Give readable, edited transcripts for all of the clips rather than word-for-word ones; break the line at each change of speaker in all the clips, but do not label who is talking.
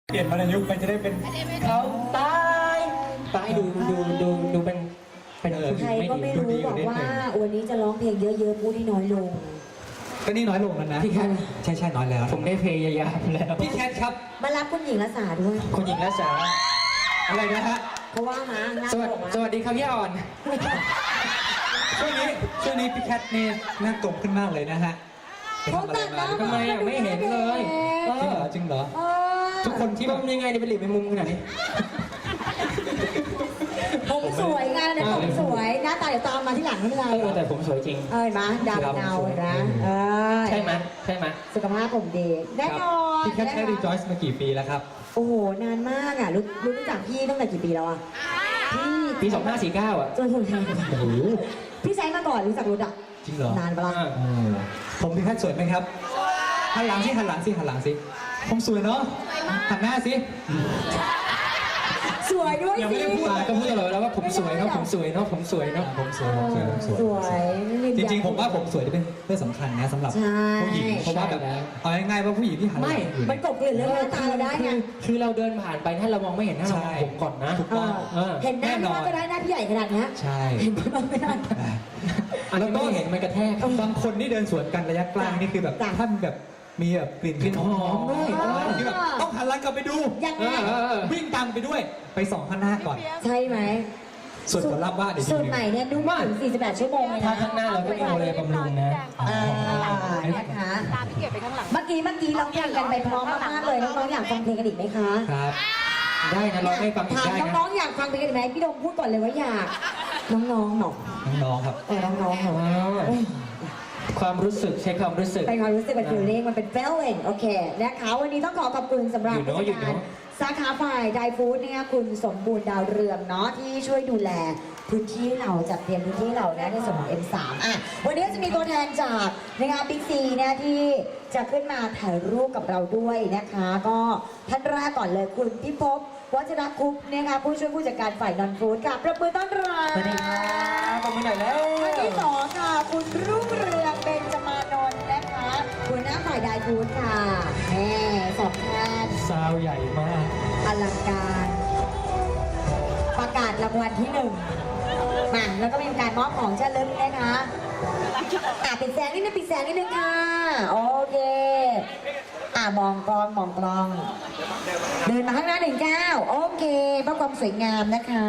เปลี่ยนวรรณยุกต์ไปจะได้เป็น
เขาตายดูเป็นผู้หญิ
ใครง
ไม่
ก็
ดี
ไม่รู้บอกว่าวันนี้จะร้องเพลงเยอะๆพูดให้น้อยลง
ก็นี่น้อยลงแล้วนะ
พี่แคท
ใช่น้อยแล้ว
ผมได้พยายามแล้ว
พี่แคทครับ
มารับคุณหญิงรัศาด้วย
คุณหญิงรัศา
อะไรนะฮะ
เพราะว่ามาหน้า
สวัสดีครับพี่อ่อน
ช่วงนี้พี่แคทนี่หน้ากลมขึ้นมากเลยนะฮะไป
เขา
ทำอะไร
ตัดหน้า
มา
ทำไมอ่ะไม่เห็นเลย
จริงเหรอ
เออ
ทุกคนที่
ที่
แบ
มั
บ
นยังไงเนี่ยเป็นหลีบเป็นมุมขนาดนี้
ผมสวยไงนะผมสวยหน้าตาเดี๋ยวตามมาที่หลังไม่เป็นไร
แต่ผมสวยจริง
เอ้ยมาดำเงาเห็นไหมเออ
ใช่ไหม
สุขภาพผมดีแน่นอน
พี่แคทใช้รีจอยส์มากี่ปีแล้วครับ
โอ้โหนานมากอ่ะรู้จักพี่ตั้งแต่กี่ปีแล้วอ่ะพี่
ปี 2549 อ่ะ
จนถึง
โอ้โห
พี่ใช้มาก่อนรู้จักรถอ่ะ
จริงเหรอน
านปะล่ะ
โอ้ผมพี่แคทสวยไหมครับหันหลังสิผมสวยเนาะหันหน้าสิ
สวยด้วย
ยังไม่
สิ
ได้พูด
ก็พูดตลอดแล้วว่าผมสวยเนาะผมสวยเนาะ
ผมสวย
สวย
จริงๆผมว่าผมสวยที่เป็นเรื่องสำคัญนะสำหรับ
ใช่
ผู้หญิงเพราะว่าแบบเอาง่ายๆว่าผู้หญิงที่หันหลังอยู่
มันกบเกลื่อนเรื่องหน้าตาเราได้ไง
คือเราเดินผ่านไปถ้าเรามองไม่เห็นหน้าเรามองผมก่อนนะ
ถูกต้อง
เห็นหน้าพี่ว่าก็ได้หน้าพี่ใหญ่ขนาดเนี้ย
ใช่
เห็นพี่ว่าไม่ได้
อันนี้ไม่เห็นมันกระแทก
บางคนที่เดินสวนกันระยะใกล้นี่คือแบบ
จ้ะ
ท่านแบบมีแบบกลิ่นหอมด้วยที่แบบต้องหันหลังกลับไปดู
ยังไง
วิ่งตามไปด้วยไปส่องข้างหน้าก่อน
ใช่ไหม
ส่วนผลลัพธ์ว่าเดี๋ยว
สูตรใหม่เนี่ยนุ่มถึง48 ชั่วโมงเลย
ถ้า
นะ
ข้างหน้าเราก็มีโอเลบำรุงนะ
นะคะ
ตามพี่เกียรติไปข้างหลัง
เมื่อกี้ร้องเพลงกันไปพร้อมมากๆเลยน้องๆอยากฟังเพลงกันอีกไหมคะ
ครับ
ได้นะร้องให้ฟังอีก
ถาม
ได้นะ
น้องๆอยากฟังเพลงกันอีกไหมพี่โดมพูดก่อนเลยว่าอยากน้องๆหนอก
น้องๆครับ
น้องๆเหรอ
ความรู้สึกใช้ความรู้สึก
เป็นความรู้สึกเป็น feeling มันเป็น feeling โอเคนะคะวันนี้ต้องขอบคุณสำหรับ
อยู่เนอะอยู่เนอะ
สาขาฝ่ายไดฟู้ดเนี่ยคุณสมบูรณ์ดาวเรืองเนาะที่ช่วยดูแลพื้นที่เราจัดเตรียมพื้นที่เรานะในส่วนของ M3 อ่ะวันนี้จะมีตัวแทนจากนะคะบิ๊กซีเนี่ยที่จะขึ้นมาถ่ายรูปกับเราด้วยนะคะ ก็ท่านแรกก่อนเลยคุณพิภพวัชรคุปต์นะคะผู้ช่วยผู้จัดการฝ่ายนอนฟู้ดค่ะประมือต้อนรับ
สวัสดีครับขอบคุณหน่อยแล้ว
ท่านที่สองค่ะคุณรุ่งเรืองเบญจมานนท์นะคะหัวหน้าฝ่ายไดฟู้ดค่ะแม่สองท่าน
ซาวใหญ่มาก
อลังการประกาศรางวัลที่หนึ่งมาแล้วก็มีการมอบของเช่ลึกนะคะปิดแสงนิดนึงค่ะโอเคมองกล้องเดินมาข้างหน้า19โอเคเพื่อความสวยงามนะคะ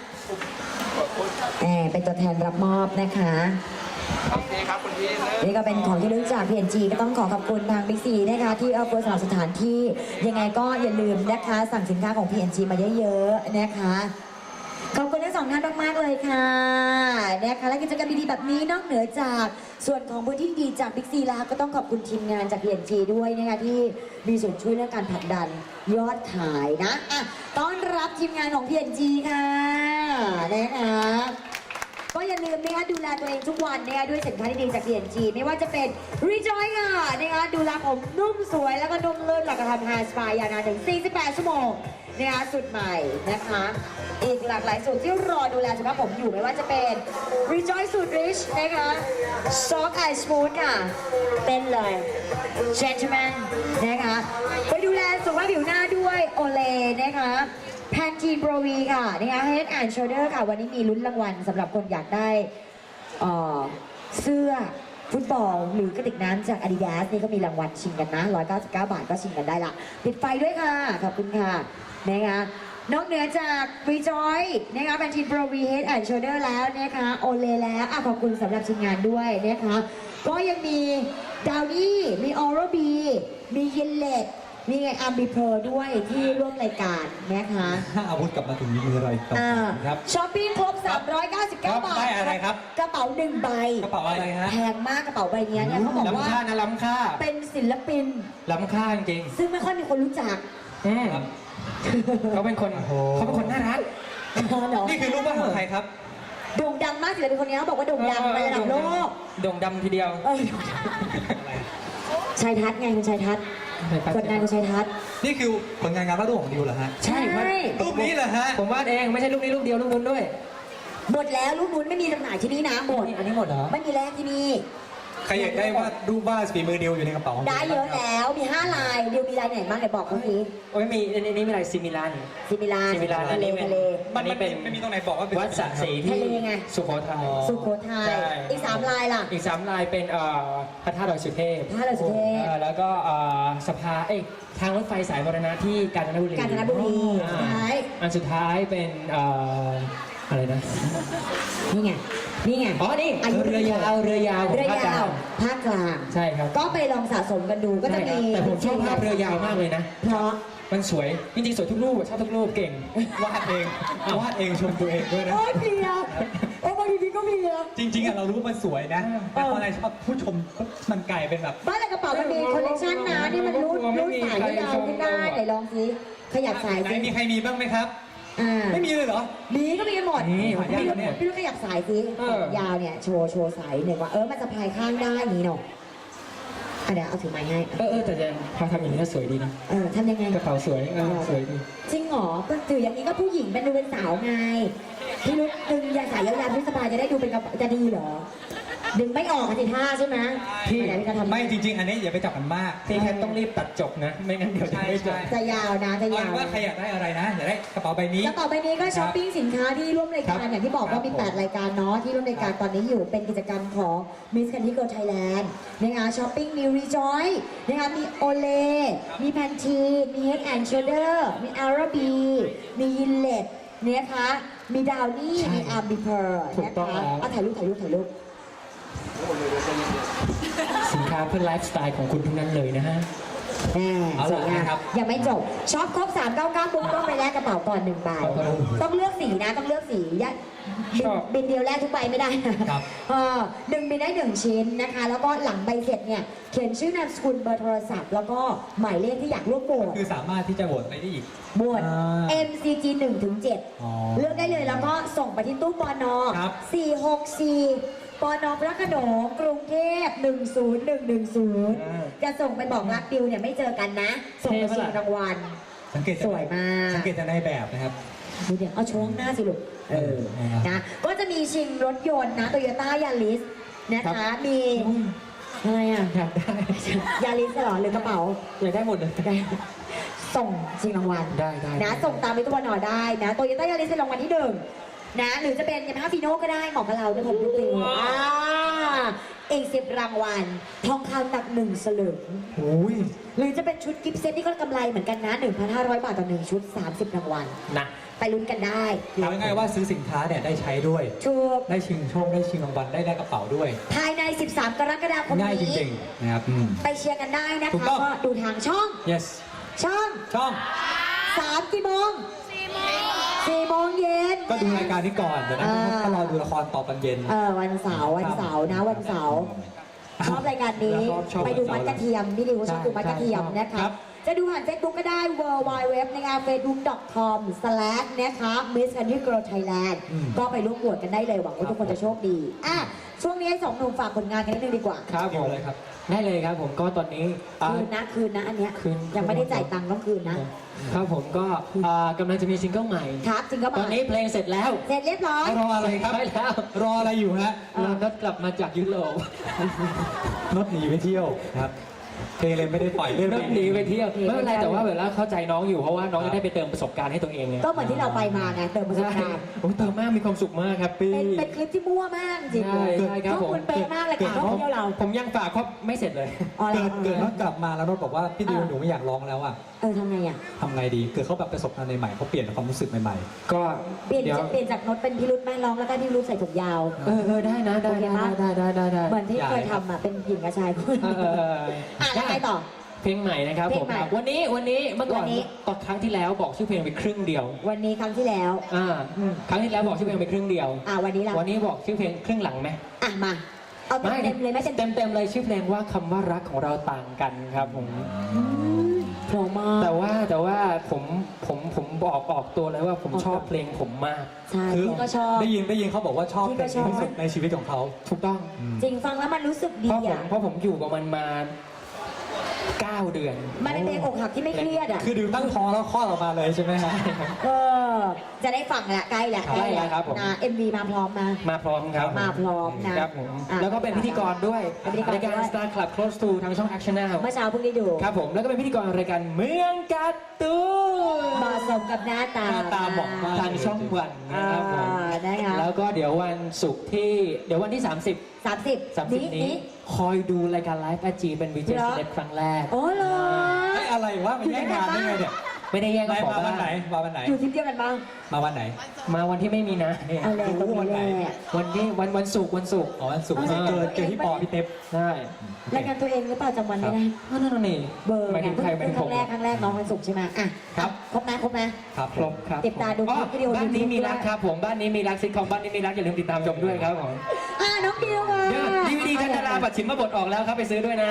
เป็นตัวแทนรับมอบนะคะโอเคครับคุณพี่นี่ก็เป็นของที่ลึกจาก PNG ก็ต้องขอบคุณทาง Big C นะคะที่เอาเปิดสถานที่ยังไงก็อย่าลืมนะคะสั่งสินค้าของ PNG มาเยอะๆนะคะขอบคุณทั้งสองท่านมากๆเลยค่ะนะคะและกิจกรรมดีๆแบบนี้นอกเหนือจากส่วนของพื้นที่ดีจาก Big C แล้วก็ต้องขอบคุณทีมงานจาก PNG ด้วยนะคะที่มีส่วนช่วยเรื่องการผลักดันยอดขายนะต้อนรับทีมงานของ PNG ค่ะนะคะก็อย่าลืมนะคะดูแลตัวเองทุกวันนะคะด้วยสินค้าที่ดีจาก PNG ไม่ว่าจะเป็น Rejoice ค่ะนะคะดูแลผมนุ่มสวยแล้วก็นุ่มลื่นหลักกระทำ Hair Spa ยาวนานถึง48 ชั่วโมงนะคะสุดใหม่นะคะอีกหลากหลายสูตรที่รอดูแลสุขภาพผมอยู่ไม่ว่าจะเป็น Rejoice สูตร Rich นะคะ Soft Eye Smooth ค่ะเป็นเลย Gentleman นะคะไปดูแลสุขภาพผิวหน้าด้วย Olay นะคะแพนทีนโปรวีค่ะนะคะ Head and Shoulder ค่ะวันนี้มีลุ้นรางวัลสำหรับคนอยากได้เสื้อฟุตบอลหรือกระติกน้ำจาก Adidas นี่ก็มีรางวัลชิงกันนะ199 บาทก็ชิงกันได้ละปิดไฟด้วยค่ะขอบคุณค่ะนะคะนอกเหนือจาก Rejoice นะคะแพนทีนโปรวี Head and Shoulder แล้วนะคะโอเลแล้วขอบคุณสำหรับทีมงานด้วยนะคะก็ยังมีดาวนี่มี Oral B มีเยลเลตมีไงอัมบีเพอร์ด้วยที่ร่วมรายการนะคะ
ถ้าอาวุธกลับมาถึงมือเราอีกต่อครับ
ช้อปปิ้งครบ 399 บาท
ได้อะไรครับ
กระเป๋า1ใบ
กระเป๋าอะไรฮะ
แพงมากกระเป๋าใบเนี้ยเนี่ยเขาบอกว่า
ล้ำค่านะล้ำค่า
เป็นศิลปิน
ล้ำค่าจริง
ซึ่งไม่ค่อยมีคนรู้จัก
เขาเป็นคนน่ารัก
เนาะ
นี่คือรูปวาดของใครครับ
โด่งดังมากศิลปินคนนี้เขาบอกว่าโด่งดังไประดับโลก
โด่งดำทีเดียว
ชายทัศน์ไงคุณชายทัศน์คนงานคุณชายทัศน์
นี่คือผลงานวาดรูปของดิวเหรอฮะ
ใช่ครับ
รูปนี้เหรอฮะ
ผมวาดเองไม่ใช่รูปนี้รูปเดียวรูปนู้นด้วย
หมดแล้วรูปนู้นไม่มีจำหน่ายที่นี่นะหมด
อันนี้หมดเหรอ
ไม่มีแลกที่นี่
ใครอยากได้วาดรูปวาดฝีมือดิวอยู่ในกระเป๋าของ
ได้เยอะแล้วมี5 ลายเดียวมีลายไหนบ้างเดี๋ยวบอกเมื่อกี้
โอ้ยมีอันนี้มีอะไรซิมิลัน
ซิมิลาน
ซิมิลานอันนี้เป็น
ทะเล
มัน
นี่เป็น
ไม่มีตรงไหนบอกว่าเป็น
วัดสระศรี
ทะ
ที่
เลไง
สุโขทัย
สุโขทัย
ใช่
อีก3 ลายล่ะ
อีก3 ลายเป็นพระธาตุดอยสุเทพ
พระธาตุดอยสุเทพ
แล้วก็สภาทางรถไฟสายมรณะที่กาญจนบุรี
กาญจนบุรี
อ่า
สุดท้าย
อันสุดท้ายเป็นอะไรนะ
นี่ไงนี่ไง
อ๋อนี่
อายุ
เรือยาวของ
เรือ
ภาคก
ยา
ลาว ง
ภาคกลาง
ใช่ครับ
ก็ไปลองสะสมกันดูก็จะมี
แต่ผมชอบภาพเรือยาวมากเลยนะ
เพราะ
มันสวย จริงๆ สวยทุกรูปชอบทุกรูปเก่ง
วาดเองวาดเองชมตัวเองด้วยนะ
โอ้ยเพลียโอ้บางทีก็เพลีย
จริงๆอะเรารู้ว่ามันสวยนะแต่พอในชอบผู้ชมปุ๊บมันกลายเป็นแบบ
บ้านในกระเป๋ามันมีคอลเลคชันนะนี่มันรูดสายให้ยาวขึ้นได้ไหนลองสิขยับสาย
ไหน
สิ
มีใครมีบ้างไหมครับ ไม่มีเลยเหรอ
มีก็มีกันหมด
นี่หายากนะเนี่ย
พี่ลูกขยับสายสิยาวเนี่ยโชว์สายหนึ่งว่ามันจะพายข้างได้อย่างนี้เนาะเดี๋ยวเอาถือไม้ให้
แต่จะพอทำอย่างนี้ก็สวยดีนะ
ทำยังไง
กระเป๋าสวยสวยดี
จริงเหรอถืออย่างนี้ก็ผู้หญิงเป็นดูเป็นสาวไงพี่ลูกดึงยาสายยาวๆพี่สบายจะได้ดูเป็นกระเป๋าจะดีเหรอ ดึงไม่ออกกันสิท่าใช่ไหมพี่ไหนพี่จะทำ
ไม่จริง ๆ อันนี้อย่าไปจับมันมาก
พี่แค่ต้องรีบตัดจบนะ ไม่งั้นเดี๋ยวจะไม่จบ
จะยาวนะจะ
เอา
ยา
เป็
วน
ว่าใครอยากได้อะไรนะอยากได้กระเป๋าใบนี้
กระเป๋าใบนี้ก็ช้อปปิ้งสินค้าที่ร่วมรายการอย่างที่บอกว่ามี 8 รายการเนาะที่ร่วมรายการตอนนี้อยู่เป็นกิจกรรมของ Miss Candy Girl Thailand นะคะช้อปปิ้งมี Rejoice นะคะมี Olay มี Pantene มี Head and Shoulder มี Arabi มี Gillette นะคะมีดาวนี่มีอาร์บิเพอร์
ถู
นะ
กต้อง
คะ
แล้ว
เอาถ่ายรูป
สินค้าเพื่อไลฟ์สไตล์ของคุณทั้งนั้นเลยนะฮะ
เอา
ส
ล่ะ
วยงาม
นะครับ
ยังไม่จบช็อปครบ 399ปุ๊บต้องไปแลกกระเป๋าก่อน1 ใบต้องเลือกสีนะต้องเลือกสีบินเดียวแลกทุกใบไม่ได้นะครับ 1 บินได้ 1 ชิ้นนะคะ แล้วก็หลังใบเสร็จเนี่ยเขียนชื่อนามสกุลเบอร์โทรศัพท์ แล้วก็หมายเลขที่อยากร่วมโหวต
คือสามารถที่จะโหวตไปได้อีก
โหวต
อ่า
MCG 1 ถึง
อ๋อ
7เลือกได้เลยแล้วก็ส่งไปที่ตู้ปน
ครับ
464ปนพระโขนงกรุงเทพ10110 จะส่งไปบอกรักดิวเนี่ยไม่เจอกันนะ ส่งไปชิงรางวัล
สังเกต
สวยมาก
สังเกตจากในแบบนะครับ
ดูเดี๋ยวเอาโชว์ข้างหน้าสิลูก
นะครับ
นะ ก็จะมีชิงรถยนต์นะโตโยต้ายาริสนะคะ มี อะไรอ่ะ
อยากได้
ยาริสเหรอหรือกระเป๋า
อยากได้หมดเลย
ได้ส่งชิงรางวัล
ได้
นะส่งตามไปตัวหนอได้นะโตโยต้ายาริสเป็นรางวัลที่ 1นะหรือจะเป็นยามาฮ่าฟีโน่ก็ได้เหมาะกับเราด้วยผมทุกปีอีก10 รางวัลทองคำหนัก1 สลึง
โอ้ย
หรือจะเป็นชุดกิฟต์เซตที่ก็กำไรเหมือนกันนะ 1,500 บาทต่อ1 ชุด 30 รางวัล
นะ
ไปลุ้นกันได้
เอาง่ายๆว่าซื้อสินค้าเนี่ยได้ใช้ด้วย
ถูก
ได้ชิงโชคได้ชิงรางวัลได้กระเป๋าด้วย
ภายใน 13 กรกฎาคม
ง่ายจ
นี้
ริงๆนะครับ
ไปเชียร์กันได้นะ
ถูก
คะ
ต้อง
ก็ดูทางช่อง
yes
ช่อง
ช่อง
3 กี่โมง 4 โมงเย็น
ก็ดูรายการนี้ก่อนเดี๋ยวนั้นก็รอดูละครต่อตอนเย็น
วันเสาร์นะวันเสาร์ชอบรายการนี้
ชอบ
ไปดูมัดกระเทียมพี่ดิวชอบดูมัดกระเทียม
ใช่
นะ
ครั
คะ
บ
จะดูผ่าน Facebook ก็ได้ www นะคะ facebook.com/ นะคะ Miss Candy Girl Thailand ก็ไปร่วมโหวตกันได้เลยหวังว่าทุกคนจะโชคดีช่วงนี้ให้2 หนุ่มฝากผลงานกันนิดนึงดีกว่า
ครับ
เกี่ยวเลยครับ
ได้เลยครับผมก็ตอนนี้
คืนนะอันเนี้ย
คืน
ยังไม่ได้จ่ายตังค์ต้องคืนนะ
ครับผมก็กำลังจะมีซิงเกิลใหม่
ครับจริงก็
ตอนนี้เพลงเสร็จแล้ว
เสร็จเรียบร้อย
รออะไรครับ
ใช่แล้ว
รออะไรอยู่ฮะ
เรานัดกลับมาจากยุโรป
นดหนีไปเที่ยวครับเพลงเลยไม่ได้ปล่อยเรื่อง
นัดหนีไปเที่ยว
หนีไป
ไม่เป็นไร
เที่ยว
แต่ว่าเวลาเข้าใจน้องอยู่เพราะว่าน้องจะได้ไปเติมประสบการณ์ให้ตัวเองไง
ก็เหมือนที่เราไปมาไงเติมประสบ
ใช่
การณ์
โอ้ยเติมมากมีความสุขมากครับปี้
เป็นคลิปที่มั่วมากจริง
ใช่ใช่ครับ
ทุกคนเป๊ะมากเลยค่ะท่องเที่ยวเรา
ผมยังฝากครบไม่เสร็จเลย
อ๋อเหรอ
เกิดว่ากลับมาแล้วนดบอกว่าพี่ดิวหนูไม่อยากร้องแล้วอ่ะ
ทำไงอ่ะ
ทำไงดีเกิดเขาแบบประสบการณ์ใหม่ๆเขาเปลี่ยนความรู้สึกใหม่
ก็
เปลี่ยน
เดี๋ยว
เปลี่ยนจากโน้ตเป็นพิรุธแม่ร้องแล้วก็พิรุธใส่ถุงยาว
ได้นะได้
โอเคปะ
ได้
เหมือนที่เคยทำอ่ะเป็นหญิงกับชายคู่ แล้วไงต่อ
เพลงใหม่นะครับ
เพล
ผ
ง
ม
ใหม่
วันนี้เมื่อก่อน
วันนี้
ตอนครั้งที่แล้วบอกชื่อเพลงไปครึ่งเดียว
วันนี้ครั้งที่แล้ว
ครั้งที่แล้วบอกชื่อเพลงไปครึ่งเดียว
วันนี้ล่ะ
วันนี้บอกชื่อเพลงครึ่งหลังไหม
มาเอาเต็มๆเลยไหม
เต็มเลยชื่อเพลงว่าคำว่ารักของเราต่างกันครับผม
โผล่มา
แต่ว่าผมบอกออกตัวเลยว่าผมชอบเพลงผมมาก
ใช่
ๆคือ
พี่ก็ชอบ
ได้ยินเขาบอกว่าชอบ
พี่
เพ
ก็
ลง
ชอบ
ที่สุดในชีวิตของเขา
ถูกต้อง
จริงฟังแล้วมันรู้สึกดี
เพราะผม
อ่ะ
เพราะผมอยู่กับมันมา 9 เดือน
มันเป็นเพลงอกหักที่ไม่เครียดอ่ะ
คือดิวตั้งท้องแล้วคลอดออกมาเลยใช่ไหมฮะ
เออจะได้ฟังแหละใกล้แหละ
ใกล้แล้วครับผม
นะ MV มาพร้อมมา
มาพร้อมครับ
มาพร้อมนะครับ
ผม
อ่ะ
แล้วก็เป็นพิธีกรด้วย
เป็นพิธีกร
รายการ
ด้วย
Star Club Close to ทางช่อง Action Now
เมื่อเช้าเพิ่งได้ดู
ครับผมแล้วก็เป็นพิธีกรรายการเมืองการ์ตูน
เหมาะสมกับหน้าตา
หน้าตาเหมาะมาก
ทางช่องวันนะครับผม
นะคะ
แล้วก็เดี๋ยววันศุกร์ที่เดี๋ยววันที่ 30
30
นี้คอยดูรายการไลฟ์อาจีเป็นวีเจ
เหรอ
เล็กครั้งแรก
โอ้เหรอ
ไอ้อะไรวะมันแย่งงานได้ไงเนี่ย
ไม่ได้แย่ง
ไหน
ขอ
มาวั
บ้าน
ไหนมาวันไหน
อยู่ทีมเดียวกันบ้าง
มาวันไหน
มาวันที่ไม่มีนะเนี่ย
เอาแรงตรง
วั
นี้
นไหน
แหละ
วันที่วันศุกร์
อ๋อวันศุกร์ไม่ใช่เจอพี่ปอพี่เต็บ
ได้
รายการตัวเองหรือเปล่าจำวันไม่ได้
นั่นนี่
เบอร์
หมายถึงใครหมายถึง
ค
ผ
รั้
ม
งแรกน้องวันศุกร์ใช่ไหมอ่ะ
ครับ
ครบนะ
ครับ
ครบครับ
ติดตามดู
อ๋อ
คลิปวิดีโอ
บ้านนี้มีรัก
YouTube
ครับผมบ้านนี้มีรักซิทคอมบ้านนี้มีรักอย่าลืมติดตามชมด้วยครับผม
น้องดิวค่ะ
เดี๋ยวดีวีดีกันดาราบัตรชิมมาบทออกแล้วครับไปซื้อด้วยนะ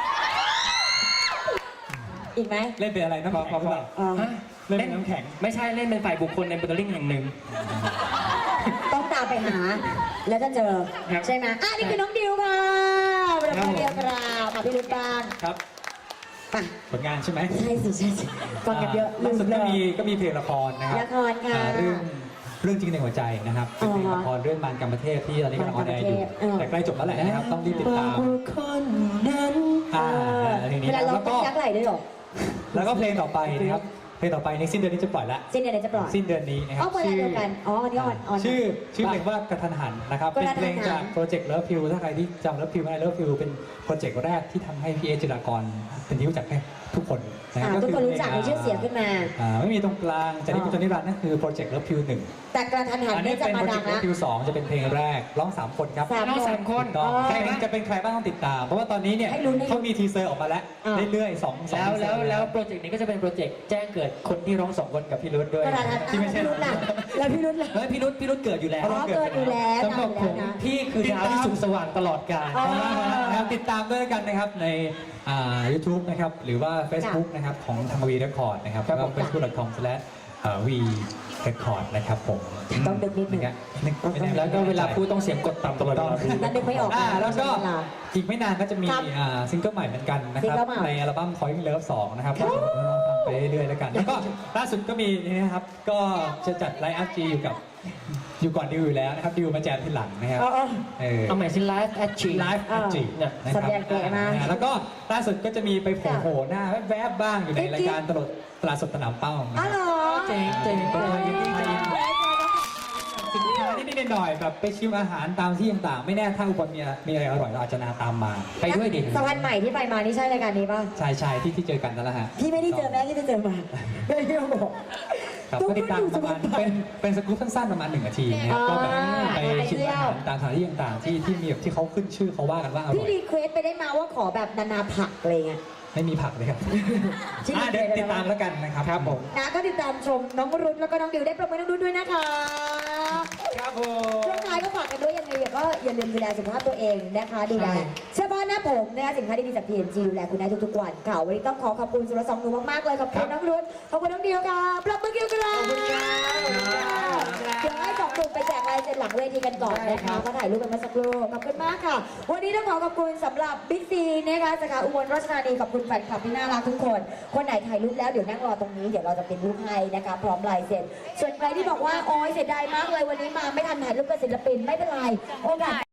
อีกไหม
เล่นเป็นอะไรน้ำแข็งหรือเปล่า
อ่า
ฮะ
เล่นเป็นน้ำแข็ง
ไม่ใช่เล่นเป็นฝ่ายบุคคลในโมเดลลิ่งแห่งหนึ่ง
ต้องตามไปหา แล้วจะเจอ
ครับ
ใช่ไหมนี่คือน้องดิวค่ะเป็น
ครับ
เดียวกราวค่ะพี่รุ่นบ้าง
ครับ
ไป
ผลงานใช่ไหม
ใช่สิฟังกันเยอะ
ล่าสุด
เล
ก็
ย
มีเพลงละครนะครับ
ละครค่ะ
เรื่องจริงในหัวใจนะครับเป็นเพลงละครเรื่องมารกรรมเทพที่ตอนนี้กำลังออนแอร์อยู่ แต่ใกล้จบแล้วแหละนะครับต้องรีบติดตาม
คนนั้น
ทีนี้
เวลาเรา
แล้ว
ต้
ก็
องยักไหลด้วยเหรอ
แล้วก็เพลงต่อไปนะครับเพลงต่อไปในสิ้นเดือนนี้จะปล่อยละ
สิ้นเดือนจะปล่อย
สิ้นเดือนนี้นะครั
เอา
บ
เวลาเดียวกันวันนี้ออน
ชื่อเพลงว่ากระทันหันนะครับ
ก
เป็น
ระทันหัน
เพลงจากโปรเจกต์เลิฟพิวถ้าใครที่จำเลิฟพิวไม่ได้เลิฟพิวเป็นโปรเจกต์แรกที่ทำให้พี่เอจิรากรเป็นที่รู้จักให้ทุกคนนะ
ทุกคนรู้จักมีชื่อเสียงขึ้นมา
ไม่มีตรงกลางจากนี้เป็นจนนิรันดร์นั่นคือโปรเจกต์เลิฟพิวหนึ่ง
แต่กระทันหัน
อัน
เนี่
นี้
ยจะ
เป็น
มา
โปรเจ
ดั
ก
ง
ต์เลิฟ
ละ
พิว2จะเป็นเพลงแรกร้อง3คนครับ
3
น้องสามคน
ถูกต้อง
อ๋อ
เพลงจะเป็นใครบ้างต้องติดตาม เพราะว่าตอนนี้เนี่ย
ให้ลุ้น
เขามีทีเซอร์ออกมาแล้ว
อ่า
เรื่อยๆ2
แล้วโปรเจกต์นี้ก็จะเป็นโปรเจกต์แจ้งเกิดคนที่ร้อง2 คนกับพี่รุ่ด้วย
กระทันหัน
ที่ไม่ใช่
พี่รุ่นล่ะแล้วพี่รุ่นล่ะ
เฮ้ยพี่รุ่เกิดอยู่แล้ว
อ๋อเกิดอยู่แล้ว
สำหรับผม
นะ
พี่คือดาวที่สุขสว่างตลอดกาล
อ๋อ
นะครับติดตามด้วยกันนะครับในYouTube นะครับหรือว่า Facebook นะครับของทางวีเรคคอร์ดนะครับแล้วก็ facebook.com/v record นะครับผม
ต้องดึกนิดนึง
ไม่แน่
แล้วก็เวลาพูดต้องเสียงกดต่ำตลอดเวลา
นั่นนึกไม่ออก
แล้วก็อีกไม่นานก็จะมี
ครับ
ซิงเกิลใหม่เหมือนกันนะครับ
ซิงเกิลใหม่
ในอัลบั้ม Calling Love 2 นะครับก็ฟังไปเรื่อยๆแล้วกัน แล้วก็ล่าสุดก็มีนี่นะครับ ก็จะจัดไลฟ์อัพจีอยู่ก่อนดิวอยู่แล้วนะครับดิวมาแจมทีหลังนะครับ
อ๋อ
เอาใหม่สิไลฟ์แอดชี
ไลฟ์อัพจีนะครั
สัญญาณเก๋มาก
แล้วก็ล่าสุดก็จะมีไปโผล่หน้าแวบๆบ้างอยู่ในรายการตลาดสดสนามเป้านะ
อ๋อ
ค
เหร
รับ
อ
เจ๋งเจ๋ง
สินค้านิดๆหน่อยๆแบบไปชิมอาหารตามที่ต่างๆ ไม่แน่ถ้าอุบลมีอะไรอร่อยเราอาจจะนาตามมา
ไปด้วยดิ
สวรรค์ใหม่ที่ไปมานี่ใช่รายการนี้ป่ะ
ชายที่เจอกันนั่นแหละฮะ
พี่ไม่ได้เจอแม่ที่ไปเจอมาไม่ได้บอก
ครับก็ติดตามประมาณเป็นสกู๊ปสั้นๆประมาณ1 นาทีนะครับก็แบบไปชิมอาหารตามสถานที่ต่างๆที่มีแบบที่เขาขึ้นชื่อเขาว่ากันว่าอร่
พี่
อย
รีเควสไปได้มาว่าขอแบบนานาผักอะไรเงี้ย
ไม่มีผักเลยครับ
ที่
เดี๋ยวติดตามแล้วกันนะครับครับผม
นะก็ติดตามชมน้องรุ่นแล้วก็น้องดิวได้ประเมินน้องรุ่นด้วยนะคะ
ครับผม
ช่วงท้ายก็ฝากกันด้วยยังไงก็อย่าลืมดูแลสุขภาพตัวเองนะคะดูแลเสื้อผ้าหน้าผมนะคะสินค้าดีๆจาก PNG ดูแลคุณได้ทุกๆวันค่ะวันนี้ต้องขอบคุณสุรสองหนูมากๆเลยขอบคุณน้องรุ่นขอบคุณน้องดิวค่ะปรบมือเกี่ยวกันเลยเดี๋ยวให้สองกลุ่มไปแจกลายเซ็นหลังเวทีกันก่อนนะคะมาถ่ายรูปกันมาสักครู่ขอบคุณมากค่ะ วันนี้ต้องขอบคุณสำหรับบิ๊กซีนะคะสาขาอุบลราชธานีขอบคุณแฟนคลับที่น่ารักทุกคนคนไหนถ่ายรูปแล้วเดี๋ยวนั่งรอตรงนี้เดี๋ยวเราจะเป็นรูปให้นะคะพร้อมลายเซ็นส่วนใครที่บอกว่าโอ๊ยเสียดายมากเลยวันนี้มาไม่ทันถ่ายรูปกับศิลปินไม่เป็นไรโอกาส